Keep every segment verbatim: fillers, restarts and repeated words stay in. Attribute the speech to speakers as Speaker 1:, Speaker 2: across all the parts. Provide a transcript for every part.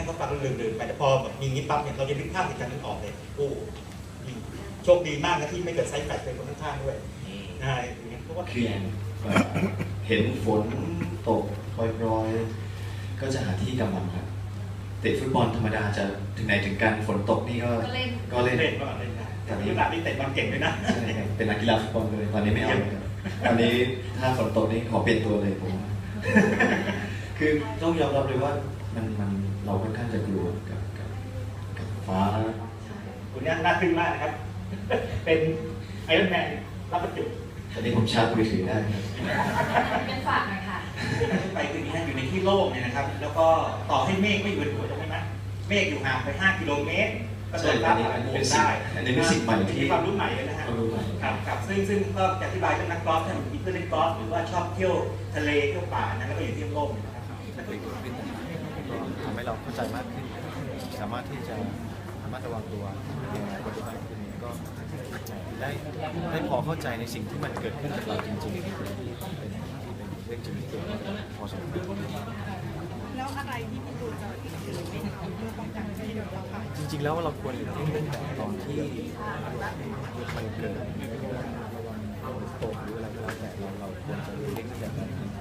Speaker 1: ให้เขาฟังลืมๆไปแต่พอแบบมีงี้ปั๊บเนี่ยเราจะนึกภาพเหตุการณ์นั้นออกเลยโอ้โชคดีมากนะที่ไม่เกิดไซส์แฟลชเป็นคนข้างๆด้วยใช่เพราะว่า
Speaker 2: คือเห็นฝนตกโปรยๆก็จะหาที่กำบังครับเตะฟุตบอลธรรมดาจะถึงไหนถึงกันฝนตกนี่ก็ก็เล่น
Speaker 1: เล่นก็เล่นนะแต่นี้แบบนี้เตะบอลเก่งเลยนะ
Speaker 2: ใช่ครับเป็นนักกีฬาฟุตบอลเลยตอนนี้ไม่เอาเลยครับตอนนี้ถ้าฝนตกนี่ขอเปลี่ยนตัวเลยผม คือต้องยอมรับเลยว่ามันมันเราค่อนข้างจะกลัวกับกับกับฟ้า
Speaker 1: คุณนี่น่าทึ่งมากนะครับเป็นไอรอนแมนรับบรรจุ
Speaker 2: ตอนนี้ผมชาร์จมือถือได้ครับ
Speaker 3: เป็นฝากหน่อยค่ะ
Speaker 1: ไปคือนี้อยู่ในที่โล่งเนี่ยนะครับแล้วก็ต่อให้เมฆไม่อยู่บนหัวจะไม่ไหมเมฆอยู่ห่างไปห้ากิโลเมตรก็โดนรับเป็นได้
Speaker 2: อันนี้เป็นสิ่งใหม่ที่
Speaker 1: ความรู้ใหม่เลยนะฮะครับครับซึ่งซึ่งก็จะอธิบายเรื่องนักกอล์ฟถ้ามีเพื่อนเล่นกอล์ฟหรือว่าชอบเที่ยวทะเลเที่ยวป่านะแล้วก็อยู่ที่โล่งนะครับ
Speaker 4: ทำให้เราเข้าใจมากขึ้นสามารถที่จะระมัดระวังตัวในปัจจุบันขึ้นก็ได้ได้พอเข้าใจในสิ่งที่มันเกิดขึ้นกับเราจริงๆเป็นเป็นเรื่องจริงที่เกิดขึ้นพอสมควร
Speaker 3: แล้วอะไรที่พี่ตูนจะไม่ทำเพื่อป้องกันไม่ให้โดนเราค่ะ
Speaker 4: จริงๆแล้วเราควรหลีกเลี่ยงตั้งแต่ตอนที่มันเกิดระวังโตหรืออะไรก็แล้วแต่เราเราควรจะหลีกเลี่ยงตั้งแต่ตอนนี้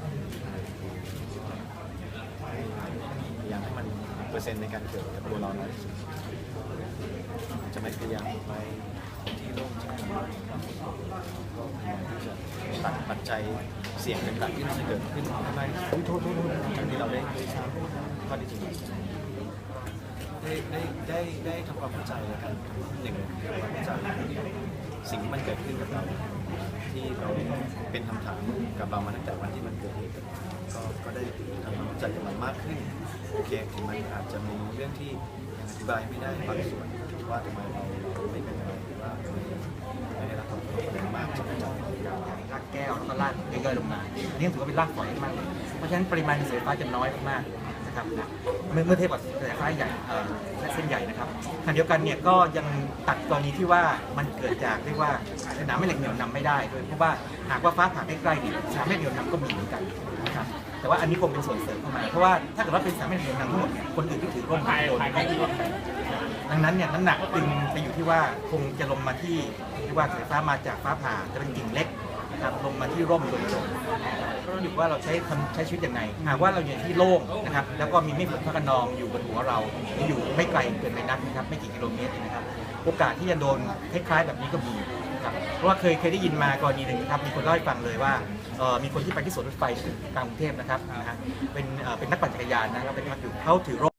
Speaker 4: พยายามให้มันเปอร์เซ็นต์ในการเกิดกับตัวเราน้อยที่สุดจะไม่พยายามไปที่โล่งที่ก็พยายามที่จะตัดปัจจัยเสี่ยงต่างๆที่มันจะเกิดขึ้นทำไมโทษโทษทั้งที่เราได้ได้ทราบข้อที่จริงได้ได้ได้ได้ทำความเข้าใจแล้วกันหนึ่งทำความเข้าใจสิ่งที่มันเกิดขึ้นกับเราที่เราเป็นคำถามกับเรามาตั้งแต่วันที่มันเกิดเหตุก็ก็ได้ทำความเข้าใจกับมันมากขึ้นโอเคถึงมันอาจจะมีเรื่องที่ยังอธิบายไม่ได้บางส่วนว่าทำไมเราเราไม่เป็นอะไรหรือว่าไม่ได้รับความรู้อะไรมากจนกระทั่ง
Speaker 5: รากแก้วแล้วก็รากย่อยๆลงมาอันนี้ถือว่าเป็นรากฝอยมากเพราะฉะนั้นปริมาณกระแสไฟฟ้าจะน้อยมากๆนะครับเมื่อเมื่อเทียบกับกระแสไฟฟ้าใหญ่และเส้นใหญ่นะครับขณะเดียวกันเนี่ยก็ยังตัดกรณีที่ว่ามันเกิดจากเรียกว่าสนามแม่เหล็กเหนี่ยวนำไม่ได้ด้วยเพราะว่าหากว่าฟ้าผ่าใกล้ๆเนี่ยสนามแม่เหล็กเหนี่ยวนำก็มีเหมือนกันนะครับแต่ว่าอันนี้คงเป็นส่วนเสริมเข้ามาเพราะว่าถ้าเกิดว่าเป็นสนามแม่เหล็กเหนี่ยวนำทั้งหมดเนี่ยคนอื่นที่ถือร่มโดนไม่ได้ดังนั้นเนี่ยน้ำหนักจึงไปอยู่ที่ว่าคงจะลงมาที่ที่ว่าสายฟ้ามาจากฟ้าผ่าจะเป็นกิ่งเล็กนะครับลงมาที่ร่มโดยตรงก็ต้องดูว่าเราใช้ใช้ชีวิตยังไงหากว่าเราอยู่ที่โล่งนะครับแล้วก็มีเมฆฝนฟ้าคะนองอยู่บนหัวเราอยู่ไม่ไกลเกินไปนักนะครับไม่กี่กิโลเมตรนะครับโอกาสที่จะโดนคล้ายๆแบบนี้ก็มีครับเพราะว่าเคยเคยได้ยินมากรณีหนึ่งนะครับมีคนเล่าให้ฟังเลยว่ามีคนที่ไปที่สวนรถไฟกลางกรุงเทพนะครับนะฮะเป็นเป็นนักปั่นจักรยานนะครับไปพักอยู่เขาถือร่ม